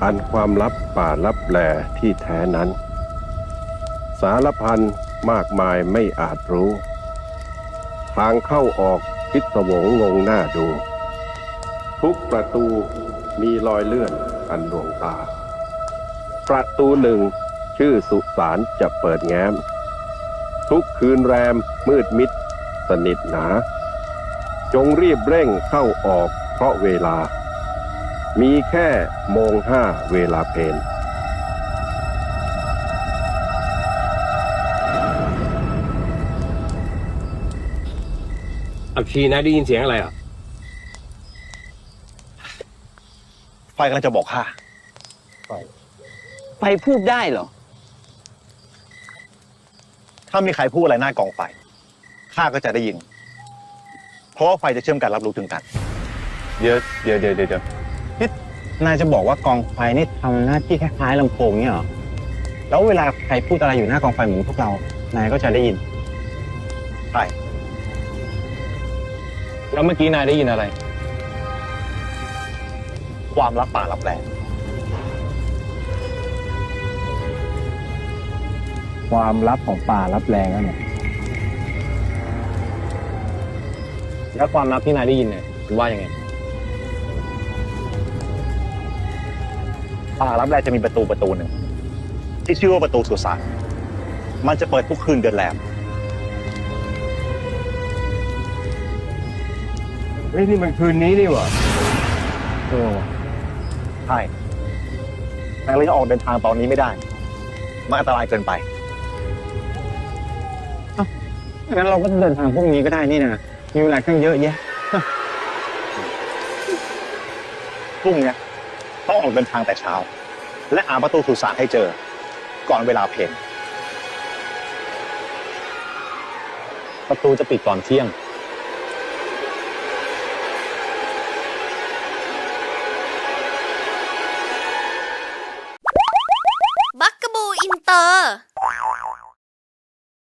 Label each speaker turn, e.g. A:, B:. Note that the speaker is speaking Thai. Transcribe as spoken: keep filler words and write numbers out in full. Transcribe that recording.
A: อันความลับป่าลับแลที่แท้นั้น สารพันมากมายไม่อาจรู้ ทางเข้าออกพิศวงงงหน้าดู ทุกประตูมีรอยเลื่อนอันดวงตา ประตูหนึ่งชื่อสุสานจะเปิดแง้ม ทุกคืนแรมมืดมิดสนิทหนา จงรีบเร่งเข้าออกเพราะเวลา มีแค่โมงห้าเวลาเพล
B: อักชีนะได้ยินเสียงอะไรอ่ะ
C: ไฟกำลังจะบอกข้า
D: ไฟพูดได้เหรอ
C: ถ้ามีใครพูดอะไรหน้ากองไฟข้าก็จะได้ยิน เพราะว่าไฟจะเชื่อมกันรับรู้ถึงกัน
D: เดี๋ยวเดี๋ยวเดี๋ยวเดี๋ยวนี่นายจะบอกว่ากองไฟนี่ทำหน้าที่คล้ายๆลำโพงเนี่ยเหรอ แล้วเวลาใครพูดอะไรอยู่หน้ากองไฟเหมือนพวกเรา นายก็จะได้ยิน
C: ใช่
D: แล้วเมื่อกี้นายได้ยินอะไร
C: ความลับป่าลับแล
D: ความลับของป่าลับแรงนั่นแหละแล้วความลับที่นายได้ยินเนี่ยคุณว่ายังไง
C: ป่าลับแลจะมีประตูประตูหนึ่งที่ชื่อว่าประตูสุสานมันจะเปิดทุกคืนเดือนแรม
B: เฮ้ยนี่มันคืนนี้นี่หว่า
D: เออว่ะ
C: ใช่แต่เราจะออกเดินทางตอนนี้ไม่ได้ มันอันตรายเกินไป
D: งั้นเราก็เดินทางพวกนี้ก็ได้นี่นะมีเวลาตั้งเยอะแยะ
C: พรุ่งนี้ต้องออกเดินทางแต่เช้า และหาประตูสุสานให้เจอ ก่อนเวลาเพลง
D: ประตูจะปิดก่อนเที่ยง